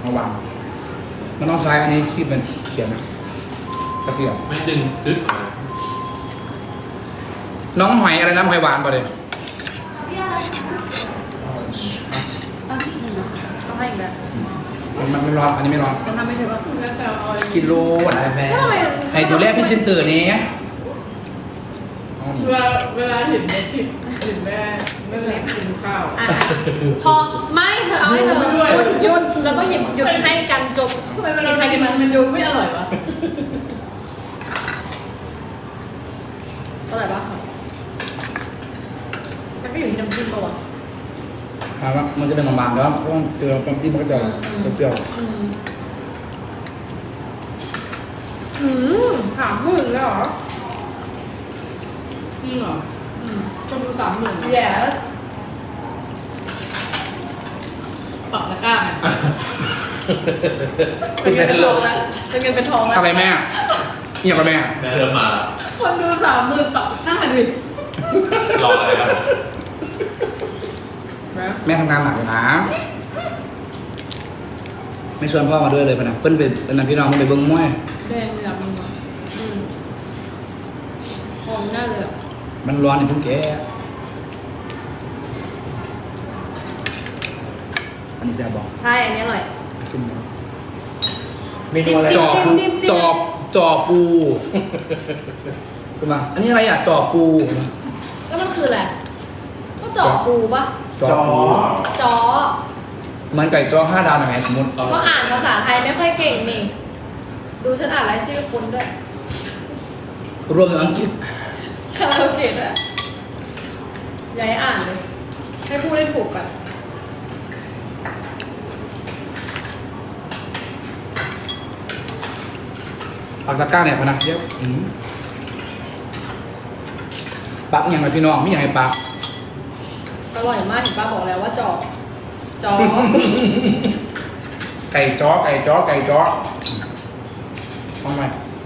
ระวังมันต้องใช้อันนี้ที่เป็นเขียนนะตะเกียบไม่ดึงจึ๊ดมาน้องหอยอะไรนะหอยหวานป่ะเลยต้องให้อีกแล้วมันไม่ร้อนอันนี้ไม่ร้อนฉันทำไม่ถึงว่ากิโลอะไรแม่ทำไมให้ดูแลพี่ชินตื่นนี้เวลาเห็นแม่ทิพย์เห็นแม่ไม่เล็กกินข้าวอ่ะพอไม่เธอเอาให้เธอหยุดแล้วก็หยุดให้กันจบทำไมเวลากินมันดูไม่อร่อยวะอร่อยปะมันก็อยู่ที่น้ำจิ้มป่ะวะถามว่ามันจะเป็นบางๆแล้วเพราะว่าเจอความจิ้มมันก็จะเปรี้ยวถามมึงแล้วเหรอจริงเหรอคนดู30,000 yes ปักตะกร้าไงเป็นเงินเป็นทองแล้วเป็นเงินเป็นทองแล้วอะไรแม่เงียบไปแม่แม่เริ่มมาแล้วคนดู30,000ปักตะกร้าดิรออะไรครับแม่ทำงานหนักเลยนะไม่ชวนพ่อมาด้วยเลยพะนะเพิ่นเป็นนันพี่น้องเพิ่นไปเบิ้งมวยแดงเลยอ่ะมึงอ่ะทองได้เลยอ่ะมันร้อนในพุ่งแกอันนี้แซ่บบอกใช่อันนี้อร่อยชิมเมนูอะไรจอปูจิ้มจอปูขึ้นมาอันนี้อะไรอ่ะจอปูแล้วมันคืออะไรก็จ่อปูปะจอปูจ่อเหมือนไก่จอ5 ดาวหน่อยไหมสมมติก็อ่านภาษาไทยไม่ค่อยเก่งนี่ ดูฉันอ่านรายชื่อคนด้วยรวมถึงอังกฤษคาราโอเกะด้วยอย่าให้อ่านเลย ให้พูดได้ถูกกันปากตะกร้าเนี่ยพะนะเยอะปักอย่างไรพี่น้องไม่อย่างไรปักอร่อยมากเห็นป้าบอกแล้วว่าจ่อจ่อไก่จ้อไก่จ้อไก่จ้อทำไม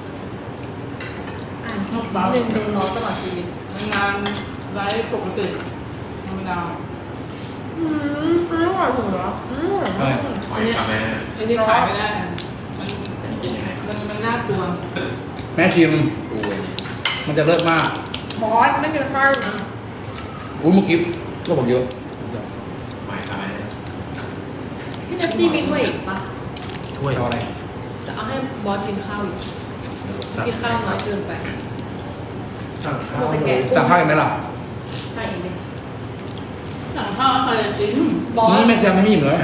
อ่านหนึ่งโดนล้อตลอดชีวิตงานไลฟ์ปกติธรรมดาอร่อยถึงเหรอใช่หอยค่ะแม่ไอ้ที่ขายไม่ได้อันนี้กินยังไงมันน่ากลัวแม่ชิมกูอันนี้มันจะเลิศมากบอสไม่กินข้าวนะอุ้ยเมื่อกี้ก็บอกเยอะหอยค่ะแม่พี่เนสตี้มีถ้วยอีกปะถ้วยเอาอะไรจะเอาให้บอสกินข้าวอีกกินข้าวน้อยเกินไปสั่งข้าวอีกไหมล่ะใช่อีกไหมหลังข้าวเคยจิ้มบอสนี่ไม่แซมไม่อิ่มเลย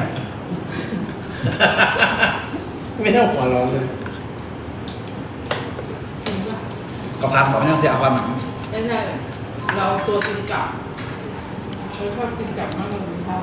ไม่ต้องหัวร้อนเลยจริงป่ะกระเพราของยังเสียความหนังไม่ใช่เราตัวกินกลับเราชอบกินกลับมากกว่ากินข้าว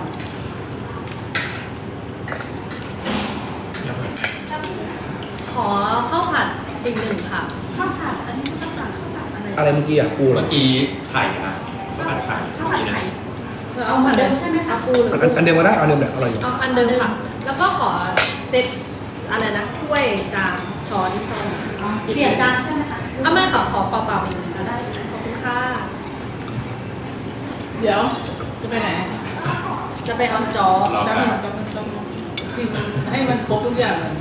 ขอข้าวผัดอีกหนึ่งค่ะข้าวผัดอันนี้ก็สั่งข้าวผัดอะไรอะไรเมื่อกี้อ่ะปูเหรเมื่ออกี้ไข่ค่ะข้าวผัดไข่ข้าวเมื่อผัดกี้ไข่นะเอาเหมือนเดิมใช่ไหมคะปูหรืออันเดิมก็ได้เอาเดิมแบบอร่อยอยู่เอาอันเดิมค่ะ แล้วก็ขอเซตอะไรนะถ้วยจานช้อนซ่อมเปลี่ยนจานใช่ไหมคะเอาไม่ค่ะขอเปล่าๆอีกหนึ่งก็ได้ขอบคุณค่ะเดี๋ยวจะไปไหนจะไปเอาจอรอแล้วแป๊บมันจะมันต้องชิมให้มันครบทุกอย่างเลย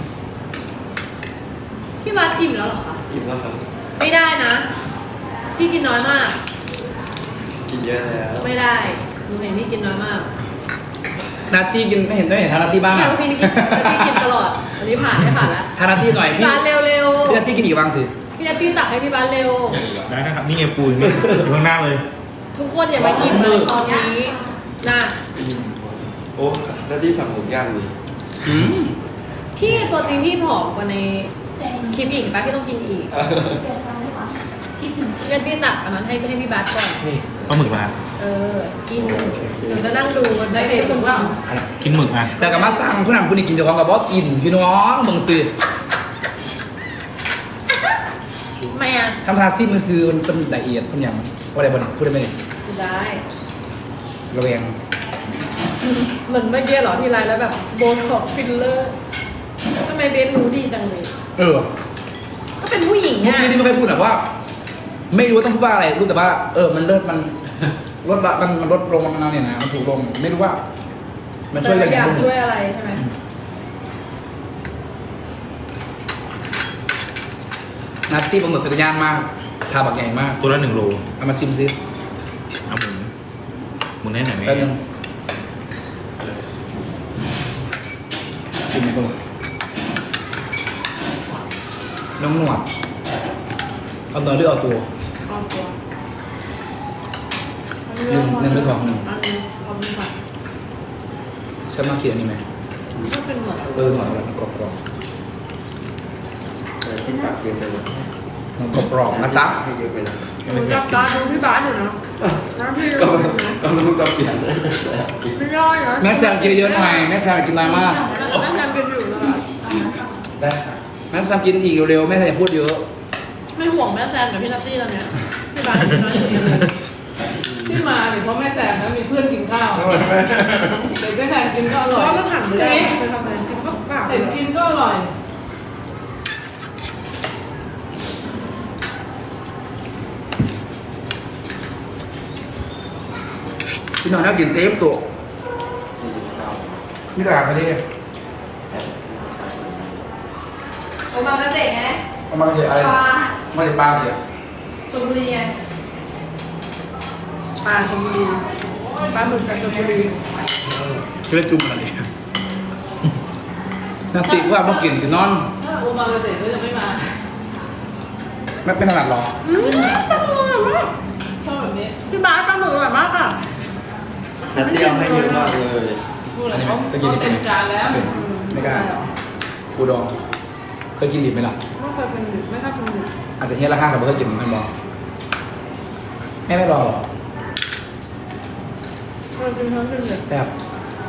พี่มาอิ่มแล้วเหรอคะอิ่มแล้วครับไม่ได้นะ พี่กินน้อยมากกินเยอะแล้วไม่ได้หนูเห็นพี่กินน้อยมากนาตี้กินไม่เห็นได้เห็นทานาตี้บ้างไม่อ่ะว่าพี่กินตลอด อันนี้ผ่านไม่ผ่านแล้วทานาตี้หน่อยพี่พี่บานเร็วพี่นาตี้กินอีกบ้างสิๆพี่นัตตี้ตักให้พี่บานเร็วอย่างอีกเหรอได้นะครับ นี่ไงปูอยู่นี่อยู่ข้างหน้าเลยทุกคนอย่ามากินเลยตอนนี้นะโอ้หน้าที่สั่งหมูย่างนี่พี่ตัวจริงพี่ผอมกว่าในคลิปอีกปะพี่ต้องกินอีกเปลี่ยนจานดีกว่าคิดถึงพี่นัตตี้ตักอันนั้นให้พี่บาสก่อนเอาหมึกมากินหนูจะนั่งดูมันได้เลยผมว่ากินหมึกมาแต่กับมาสั่งผู้นำผู้นี้กินเจ้าของกับบอกกินพี่น้องมึงตื่นไม่อ่ะทำทาซีมันซื้อมันเป็นละเอียดเป็นอย่างว่าอะไรบ้างพูดได้ไหมได้ระแวงเหมือนเมื่อกี้เหรอที่ไลน์แล้วแบบโบท็อกฟิลเลอร์ทำไมเบสรู้ดีจังเลยเออก็เป็นผู้หญิงเมื่ออ่ะกี้ที่ไม่เคยพูดแบบว่า ไม่รู้ว่าต้องพูดว่าอะไรรู้แต่ว่ามันเลิศมันลดละมันลดลงมันเนี่ยนะมันถูกลงไม่รู้ว่า มันช่วยอะไรอยากบ้างช่วยอะไรใช่ไหมนัตตี้ปลาหมึกเป็นตัวย่างมากทาบักใหญ่มากตัวละ1 โลเอามาซิมซิเอาหมุนให้หน่อยไหมแป๊บนึงซิมไหมปลาหมึกน้องหนวดเอาตัวหรือเอาตัวเอาตัวหนึ่งหรือสองหนึ่งอันนี้เอาไปผัดฉันมากินอันนี้ไหมก็เป็นหมดหนวดอะไรกรอบแต่ที่ปากเกินไปหมดกรอบนะจ๊ะให้เยอะไปนะหนูจับตาดูพี่บาสอยู่นะนะพี่ก็รู้จะเปลี่ยนไม่ได้นะแม่แซมกินเยอะหน่อยแม่แซมกินอะไรมากแม่แซมกินอยู่นะได้ค่ะแม่แซมกินอีกเร็วๆแม่แซมอย่าพูดเยอะไม่ห่วงแม่แซมกับพี่นัตตี้แล้วเนี่ยพี่บาสกินน้อยอยู่เลยที่มาเนี่ยเพราะแม่แสบนะมีเพื่อนกินข้าวเด็กแม่แสบกินก็อเพร่อยราะมันหันไปได้ไปทำอะไรกินข้าวเปล่าเห็นกินก็อร่อยพี่น้องน่ากินเต็มตัวนี่ตลาดประเทศโอมาเกษตรไงเอามาเจออะไรปลามาจากปลาเจอชลบุรีไงปลาชลบุรีปลาหมึกจากชลบุรีชื่อจุ่มอะไรน่าติว่าพอกินจะนอนถ้าโอมาเกษตรก็จะไม่มาไม่เป็นขนาดหรอปลาหมึกอร่อยมากชอบแบบนี้พี่บาสปลาหมึกอร่อยมากค่ะนัดเดียวให้เยอะมากเลยพูดอะไรเขาเต็มจานแล้วไม่กล้าปูดองเคยกินดิบไหมล่ะไม่เคยกินดิบไม่ชอบกินดิบอาจจะเฮียละห้าแต่ไม่เคยกินมันบอกแม่ไม่รอหรอเคยกินทั้งกินดิบแซ่บ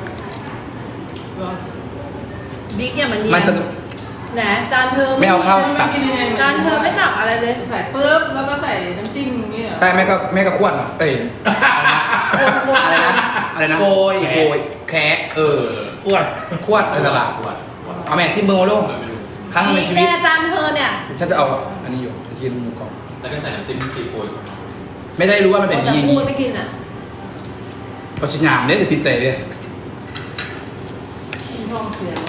บิ๊กเนี่ยมันเย็มันนจะแหนจานเธอไม่เอาเข้าตักกินยังไงจานเธอไม่ตักอะไรเลยใส่ปุ๊บแล้วก็ใส่น้ำจิ้มอย่างเงี้ยใช่แม่ก็ขวดเอ้ยอะไรนะอะไรนะโกยโกยแคะอ้วนขวดในตลาดขวดเอาแม่ซิมเบอร์มาลูกครั้งหนึ่งในชีวิตเนี่ยจานเธอเนี่ยฉันจะเอาอันนี้อยู่จะกินหมูกรอบแล้วก็ใส่น้ำจิ้มซีฟู้ดไม่ได้รู้ว่ามันเป็นอย่างแต่นี้พูดไม่กินอ่ะเพราะฉันยามเนี่ยจะติดใจเลยกินท้องเสีย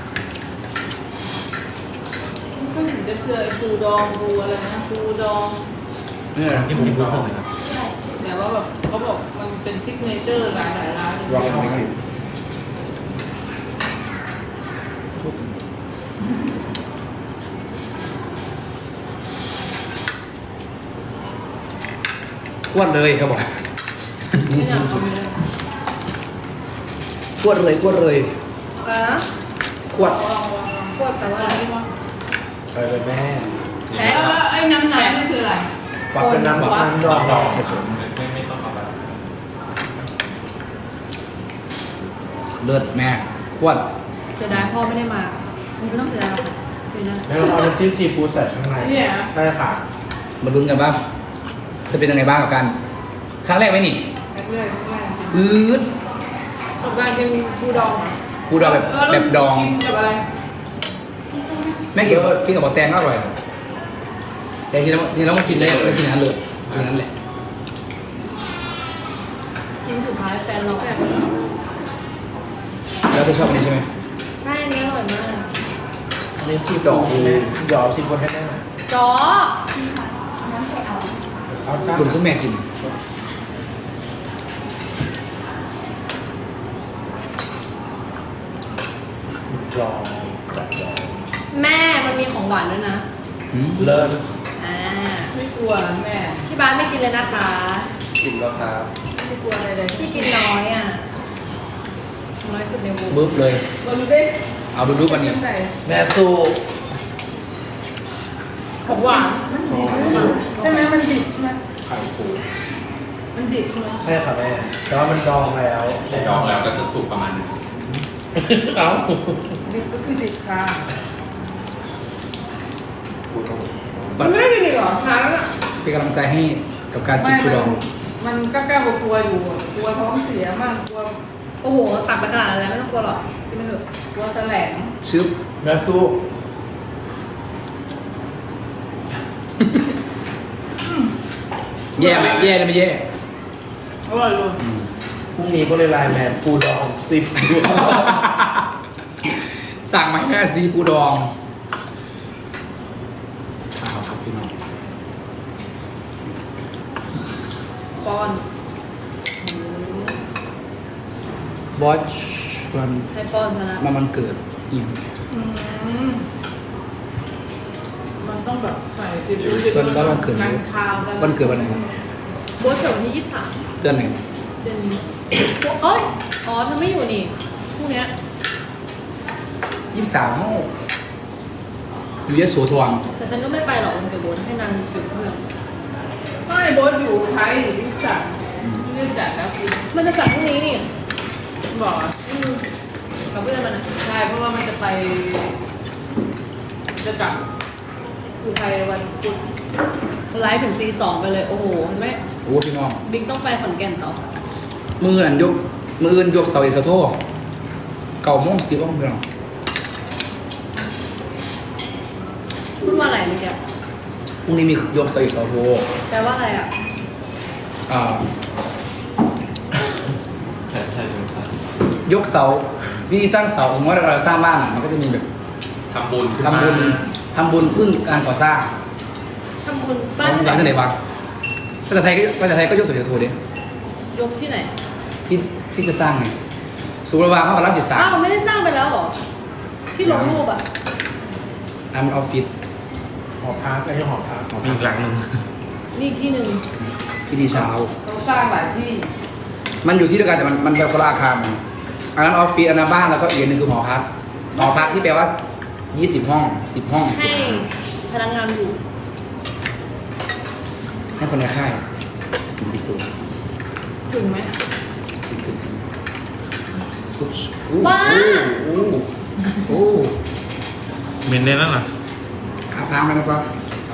ก็ถึงจะเจอไอ้ปูดองปูอะไรนะปูดองเนี่ยจิ้มซีฟู้ดผมเลยนะแต่ว่าแบบเขาบอกมันเป็นซิกเนเจอร์หลายร้านลองไม่กินขวดเลยเขาบอกไม่อยากทำเลยขวดเลยขวดเลยอะไรนะขวดพูดแต่ว่าอะไรไปเลยแม่แพ้แล้วไอ้น้ำนี่คืออะไรปักเป็นน้ำแบบน้ำดองดองไม่ต้องเอาไปเลือดแม่ขวดเสียดายพ่อไม่ได้มาไม่ต้องเสียดายหรอกปีหน้าแล้วเอาน้ำจิ้มซีฟู้ดใส่ข้างในเนี่ยได้ค่ะมาลุ้นกันว่าจะเป็นยังไงบ้างกับกันครั้งแรกไหมนี่แรกอืดกับการกินปูดองกูดองแบบดองกินกับอะไรแม่กินกับบอแตงก็อร่อยแต่จริงแล้วมันกินได้แล้วกินนั้นเลยกินนั้นแหละชิ้นสุดท้ายแฟนเราแซ่บแล้วที่ชอบอันนี้ใช่ไหมใช่อันนี้อร่อยมากมีซีฟู้ดแม่หยอดซีฟู้ดให้แม่หน่อยจ๋อน้ำใส่เอาเอาจ้าคุณคุณแม่กินดองแบบดองแม่มันมีของหวานด้วยนะเลิศอ่าไม่กลัวแม่ที่บ้านไม่กินเลยนะคะกินแล้วครับไม่กลัวอะไรเลยพี่กินน้อยอ่ะน้อยสุดในวงบึ๊บเลยมาดูดิเอาดูวันนี้ใส่แม่สู้ของหวานใช่ไหมมันดิบใช่ไหมไข่ปูมันดิบใช่ไหมใช่ค่ะแม่แต่ว่ามันดองแล้วแต่ดองแล้วก็จะสุกประมาณนึงเอ้าดิบก็คือดิบค่ะบัมัดนไม่ได้กินอีกเหรอทานแล้วเป็นกำลังใจให้กับการกินกูดองมันกล้ากลัวอยู่อะกลัวท้องเสียมากกลัวโอ้โหตักไปขนาดนั้นแล้วไม่ต้องกลัวหรอกกินไปเถอะกลัวแสลงชึบแม่สู้แย่ไหมแย่หรือไม่แย่อร่อยเลยพรุ่งนี้ก็เลยไลน์แมนปูดองซีฟู้ดสั่งมาแค่ซีปูดองเอาครับพี่ป้อนบอสวันให้ป้อนชนะมันเกิดอีกอืมมันต้องแบบใส่ซีอิ๊ววันบ้านวันเกิดกันคาวกันวันเกิดวันไหนครับโบสเกิดวันที่23 เดือนไหนเดือนนี้เอ้ยอ๋อเธอไม่อยู่นี่พรุ่งเนี้ย 23อยู่ยโสธรแต่ฉันก็ไม่ไปหรอกวันเกิดโบสให้นางอยู่เพื่อนไม่โบสอยู่ไทยอยู่ที่จัดไม่ได้จัดแล้วสิมันจะจัดพรุ่งนี้นี่บอกอ่ะกับเพื่อนมันนะใช่เพราะว่ามันจะไป จะกลับอยู่ไทยวันพุธไลฟ์ถึงตี 2ไปเลยโอ้โหเห็นไหมโอ้พี่น้องบิ๊กต้องไปขอนแก่นเขามืออันยกมืออื่นยกเสาเอกเสาโท9:10 นพี่น้องพูดว่าอะไรเมื่อกี้พรุ่งนี้มียกเสาเอกเสาโทแปลว่าอะไรอ่ะอ่าใช่ใช่ใช่ยกเสาวิธีตั้งเสาผมว่าเราสร้างบ้านอะมันก็จะมีแบบทำบุญขึ้นทำมาบุญพึ่งการก่อสร้างทำบุญบ้าบ้าน นบ้านที่ไหนบ้างภาษาไทยก็ยกเสาเอกเสาโทดิยกที่ไหนที่จะสร้างไงสุรวาเข้ากับรัชศึกษาอ้าวไม่ได้สร้างไปแล้วเหรอ ที่ลงรูปอ่ะอันออฟฟิศหอพักไม่ใช่หอพักมีอีกหลังหนึ่งนี่ที่หนึ่งพิธีเช้าต้องสร้างหลายที่มันอยู่ที่เดียวกันแต่มันเป็นคนละอาคารมันอันนั้นออฟฟิศอันนั้นบ้านแล้วก็อีกอันหนึงคือหอพักหอพักที่แปลว่า20 ห้อง10 ห้องให้พนักงานอยู่ให้คนในค่ายกินดีกว่าถึงไหมอุ๊บบ้าโอ้โอ้เมนได้แล้วเหรออาบน้ำแล้วนะครับ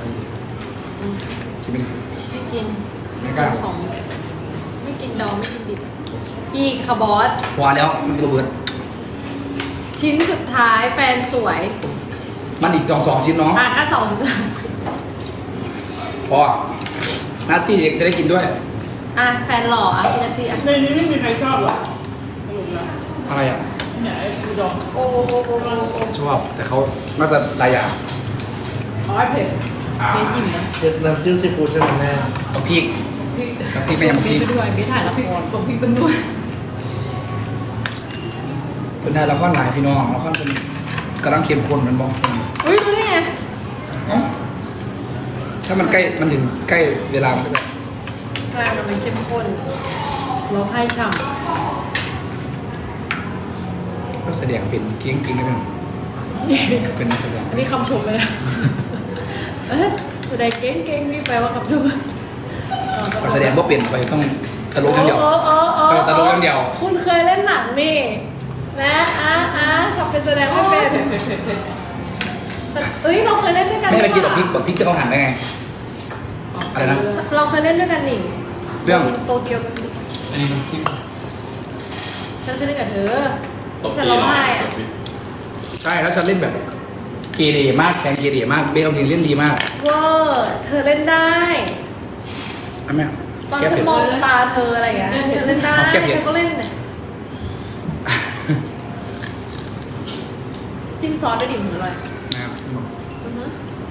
กินเป็นไม่กินไม่กล้าของไม่กินดองไม่กินดิบอีกค่ะบอสพอแล้วมันระเบิดชิ้นสุดท้ายแฟนสวยมันอีก2 ชิ้นเนาะถ้าสองสุดท้ายพอนัตตี้จะได้กินด้วยอ่ะแฟนหล่ออ่ะพี่นัตตี้อ่ะในนี้ไม่มีใครชอบหรอกสรุปแล้วอะไรอ่ะเนี่ยไอ้ปูดองโอ้โอ้โอ้โอ้โอ้โอ้ชอบแต่เขาน่าจะหลายอย่างเอาไอ้เผ็ดเบสอิ่มนะน้ำจิ้มซีฟู้ดใช่ไหมแม่กับพริกพริกกับพริกไม่ยำพริกไปด้วยเบสถ่ายละครส่งพริกเป็นด้วยเป็นไทยละครหลายพี่น้องละครเป็นกำลังเข้มข้นมันบอกอุ้ยรู้ได้ไงถ้ามันใกล้มันถึงใกล้เวลามันก็จะใช่มันเป็นเข้มข้นร้องไห้ฉ่ก็แสดงเป็นเกี้ยงๆได้ไหมำเป็นนักแสดงอันนี้คำชมเลยนะเอ๊ะแสดงเก่งๆนี่แปลว่าคำชมก็แสดงว่าเปลี่ยนไปต้องตลกอย่างเดียว ตลกอย่างเดียวคุณเคยเล่นหนังนี่นะขับเป็นแสดงไม่เป็นเผ็ดเอ้ยเราเคยเล่นด้วยกันไม่ไปกินหแบบพริกแบบพริกจะเขาหั่นได้ไง อะไรนะเราเคยเล่นด้วยกันนี่เรื่องโตเกียวอันนี้น้ำจิ้มฉันเคยเล่นกับเธอตบฉันตีร้องหน่อไห้ยอะใช่แล้วฉันเล่นแบบเกเรมากแข่งเกเรมากเบลทีเล่นดีมากเวอร์เธอเล่นได้อันแม่ตอนแก้ฉันเผ็ดมองตาเธออะไรอย่างเงี้ยเธอเล่นได้เอาแก้เผ็ดเธอก็เล่นเนี่ยจิ้มซอสด้วยดิบอร่อยนะครับอือฮึ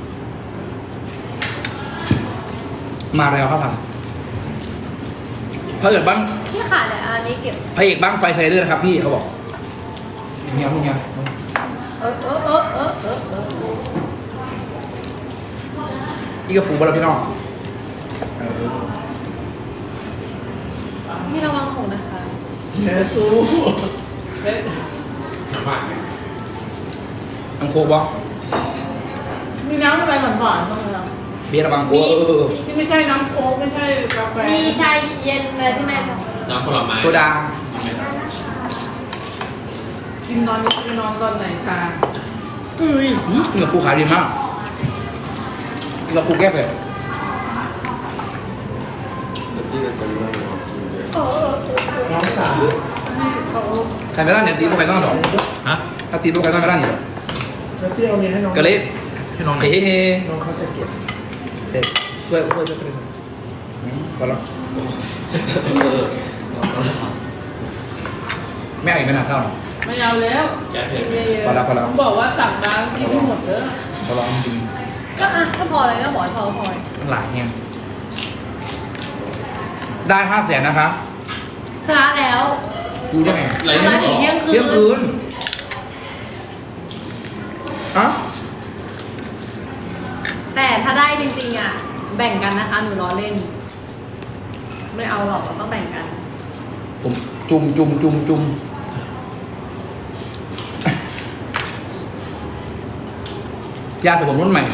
มาแล้วครับผมพระเอกบ้างพี่ขาดเนี่ยอันนี้เก็บพระเอกบ้างไฟไซเดอร์นะครับพี่เขาบอกเงี้ยเงี้ย อีกกระปุกบาราพี่น้องเออพี่ระวังหงนะคะแค่สู้เผ็ดน้ำหวานไหมน้ำโคกบอมีน้ำอะไรหวานๆบ้างไหมล่ะเบียร์ระวังโอ้เออที่ไม่ใช่น้ำโค้กไม่ใช่กาแฟมีชายเย็นอะไรที่แม่สั่งน้ำผลไม้โซดากินนอนกินนอนตอนไหนชากินกับปูขายดีมากกินกับปูแก้เผ็ดน้องสาวให้เขาใครไม่ได้เนี่ยตีพวกใครต้องหรอฮะถ้าตีพวกใครต้องไม่ได้เนี่ยแล้วเตี้ยวนี้ให้น้องก็เลยให้น้องหน่เฮ้อยเฮ้น้องเขาจะเก็บเด็ดช่วยช่วยช่วยพอแล้วไม่เอาอีกไหมนะข้าวไม่เอาแล้วแก้เผ็กิดนเยอะพอแล้วพอแล้วผมบอกว่าสั่งน้ำกินไม่หมดเด้อพอแล้วจริงก็อ่ะก็พอเลยก็บอกพอมันหลายแห้งได้500,000นะคะชนะแล้วดูได้ไงไรชนะถึงเที่ยงคืเที่ยงคืนนฮะแต่ถ้าได้จริงๆอ่ะ แบ่งกันนะคะ หนูล้อเล่น ไม่เอาหรอกเราต้องแบ่งกันผมจุ่มยาสระผมรุ่นใหม่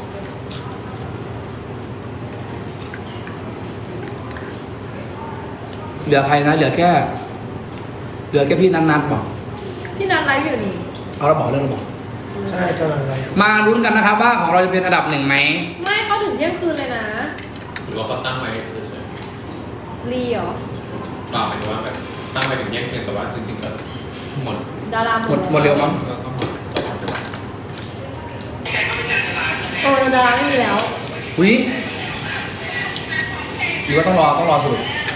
เหลือใครนะ เหลือแค่พี่นันๆบอกพี่นัทไลฟ์อยู่นี่เอาเราบอกเรื่องเราบอกใช่กำลังอะไรมาลุ้นกันนะครับว่าของเราจะเป็นอันดับ1ไหมไม่เขาถึงเที่ยงคืนเลยนะหรือว่าเขาตั้งไว้เฉยรีเหรอๆเปล่าหมายถึงว่าแบบตั้งไว้ถึงแยกเพียงแต่ว่าจริงๆก็หมดดาราหมดเร็วมั้งก็หมดต้องหมดไปแล้วดาราไม่มีแล้วอุ้ยหรือว่าต้องรอสุด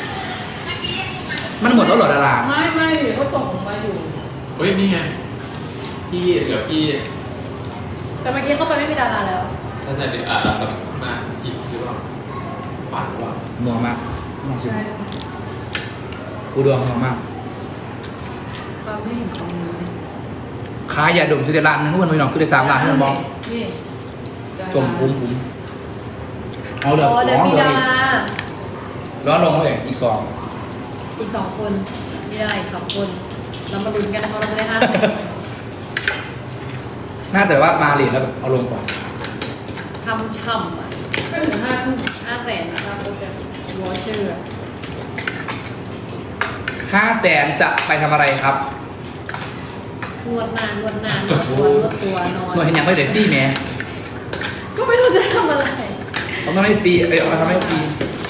มันหมดแล้วเหรอดาราไม่เขาส่งมาอยู่เฮ้ยนี่ไงพี่เหลือพี่แต่เมื่อกี้เข้าไปไม่มีดาราแล้วใช่เดี๋ยวสัมภาษณ์อีกหรือเปล่าป่านหรือเปล่านัวมากน้องชิมอุดมนัวมากเราไม่เห็นของนี้เลยขายยาดมคือแต่ร้านหนึงทุกคนไปหน่องคือแต่3 ร้านที่มันบอกนี่จมปุ้มเอาเหลือโอ้เดี๋ยวมีดาราร้อนลงมาเลยอีก 2 อีก2 คน มีดาราอีก2 คน เรามาลุ้นกันนะคะเราจะได้5 น่าจะว่ามาเหรียญแล้วแบบเอาลงก่อนทำช่ำอ่ะก็ถึง5 ทุ่ม 500,000นะคะโปรเจกต์วอเชอร์ 500,000จะไปทำอะไรครับนวดนานนวดตัวนอนหน่วยเห็นอย่างไม่เด็ดฟรีแหมก็ไม่รู้จะทำอะไรเขาต้องให้ฟรีเอามาทำให้ฟรี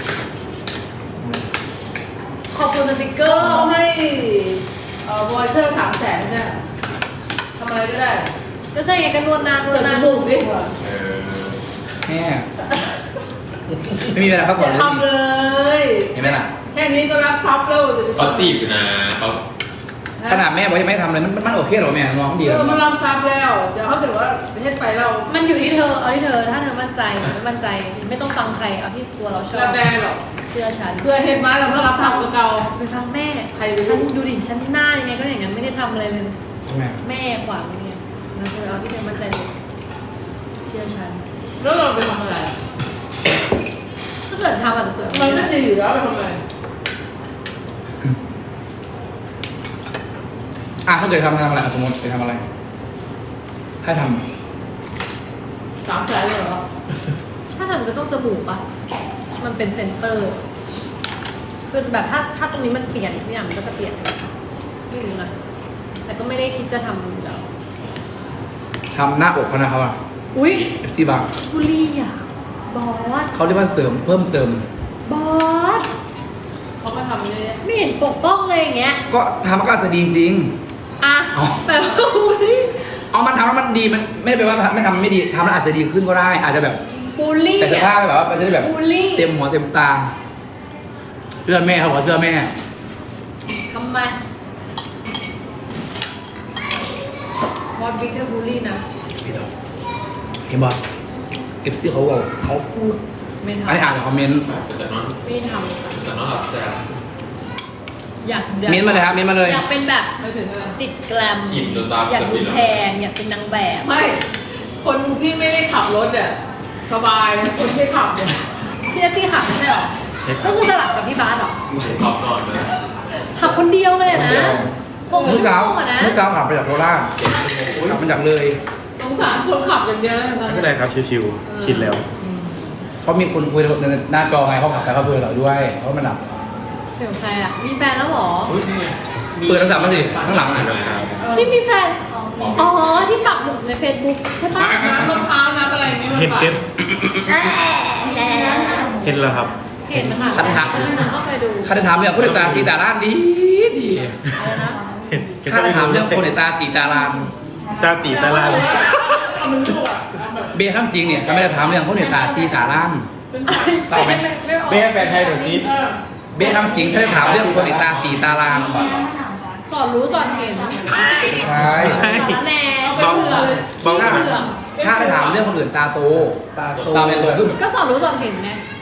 ขอบคุณสติกเกอก็ร์เอาให้วอเชอร์300,000ใช่ไหมทำอะไรก็ได้ก็ใช่ไงก็นวดนานเสริมจมูกดิเออแม่ไม่มีเวลาพักผ่อนเลยทำเลยเห็นไหมล่ะแค่นี้ก็รับทรัพย์แล้วจะไปเขาจีบอยู่นะเขาขนาดแม่บอกยังไม่ทำเลยมันโอเคเหรอแม่น้องดีเอแล้วอมันรับทรัพย์แล้ว เดี๋ยวเขาถือว่าประเทศไปเรามันอยู่ที่เธอ เอาที่เธอ ถ้าเธอมั่นใจไม่มั่นใจ ไม่ต้องฟังใคร เอาที่ตัวเราชอเราบแดงหรอกเชื่อฉันเพื่อเห็นมาเราไม่รับทรัพย์กับเก่าไปฟังแม่ใครไปรู้ฉันดูดิ ฉันหน้ายังไงก็อย่างนั้นไม่ได้ทำอะไรเลยแม่แม่ขวางอย่างเงี้ยแล้วเธอเอาที่เธอมั่นใจเลยเชื่อฉันแล้วเราไปทำอะไรถ้าเกิดทำอาจจะสวยกว่าเรานี้น่าจะอยู่แล้วไปทำอะไรถ้าเกิดทำอะไรสมมติจะทำอะไรให้ท 300,000เลยเหรอถ้าทำก็ต้องจมูกปะมันเป็นเซนเตอร์ คือแบบถ้าตรงนี้มันเปลี่ยนทุกอย่างมันก็จะเปลี่ยนไม่รู้นะ แต่ก็ไม่ได้คิดจะทำอยู่แล้วำหน้าอกเขานะครับว่าอุ้ย FC บางบุรีอ่ะ บอสเขาเรียกว่าเสริมเพิ่มเติมบอสเขามาทำเลยไม่เห็นปกป้องเลยอย่างเงี้ยก็ทำมันก็อาจจะดีจริงอ่ะอ๋อแต่ว่าบุรีเอามันทำแล้วมันดีมันไม่ได้แปลว่าไม่ทำไม่ดีทำแล้วอาจจะดีขึ้นก็ได้ อาจจะแบบบุรีใส่เสื้อผ้าไปแบบว่ามันจะได้แบบบุรีเต็มหัวเต็มตาเชื่อแม่เขาบอกเชื่อแม่ทำไมบอสบิ๊กเธอบุรีนะเห็นบอกFC เขาบอกเขาพูดไม่อันนี้ทำอ่านจากคอมเมนต์แต่นอนไม่ทำค่ะแต่นอนหลับแซ่บอยากเม้นต์มาเลยครับเม้นต์มาเลยอยากเป็นแบบไม่ถึงอะไรติดแกรมอิ่มจนตาอยากจะดูปิดแล้วแพงอยากเป็นนางแบบไม่ คนที่ไม่ได้ขับรถอ่ะสบายคนที่ขับเนี่ยพี่นัตตี้ขับไม่ใช่หรอใช่คก็รับคือสลับกับพี่บาสหรอขอบนอนนะขับคนเดียวเลยอะนะหกเมื่ชั่อวเช้าโมงอะนะเมื่อเช้าขับไปจากโคราช 7 ชั่วโมงขับมาจากเลยสงสารคนขับอย่างเดียวนะตอนไม่นี้เป็นไรครับชิวๆชินแล้วเขามีคนคุยในหน้าจอไงเขาขับไปเขาเบื่อเราด้วยเขามันหลับเดี๋ยวใครอะมีแฟนแล้วหรอเฮ้ยนี่ไงเปิดโทรศัพท์มาสิข้างหลังอ่ะพี่มีแฟน อ๋อ ที่ปักหมุดใน Facebook ใช่ปะน้ำมะพร้าวน้ำอะไรนี่มันเห็นแบบเห็นแล้วครับเห็นนะคะคันหักเข้าไปดูข้าได้ถามเรื่องคนในตาตีตาล้านดีอะไรนะเห็นข้าได้ถามเรื่องคนในตาตีตาล้านตาตีตาลานเอามันรั่วแบบเบย์ข้ามจริงเนี่ยเขาไม่ได้ถามเรื่องคนในตาตีตาล้านเป็นเศร้าไหมไม่ออกเบ้แฟนไทยแบบนี้เบย์ข้ามจริงเขาได้ถามเรื่องคนในตาตีตาล้านสอนรู้สอนเห็นใช่ใช่สารแหน่เบาเผื่อเบาถ้าได้ถามเรื่องคนอื่นตาโตตาโตตาเป็นโตขึ้นก็สอนรู้สอนเห็นไง